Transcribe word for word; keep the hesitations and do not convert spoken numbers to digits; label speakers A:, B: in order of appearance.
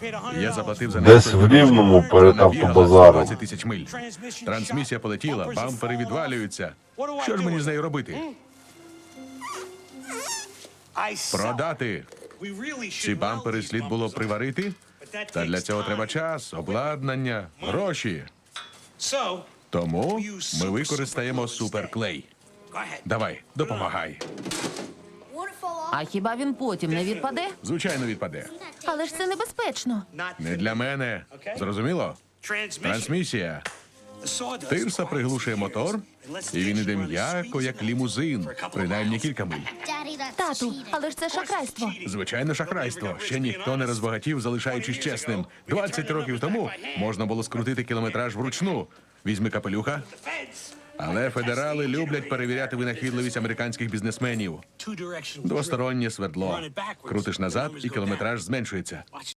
A: Я заплатив за
B: Десь в Рівному перед автобазаром.
A: двадцять тисяч миль. Трансмісія полетіла, бампери відвалюються. Що ж мені з нею робити? Продати. Ці бампери слід було приварити. Та для цього треба час, обладнання, гроші. Тому ми використаємо суперклей. Давай, допомагай.
C: А хіба він потім не відпаде?
A: Звичайно, відпаде.
C: Але ж це небезпечно.
A: Не для мене. Зрозуміло? Трансмісія. Тирса приглушує мотор, і він іде м'яко, як лімузин. Принаймні кілька миль.
C: Тату, але ж це шахрайство.
A: Звичайно, шахрайство. Ще ніхто не розбагатів, залишаючись чесним. двадцять років тому можна було скрутити кілометраж вручну. Візьми капелюха. Але федерали люблять перевіряти винахідливість американських бізнесменів. Двостороннє свердло. Крутиш назад, і кілометраж зменшується.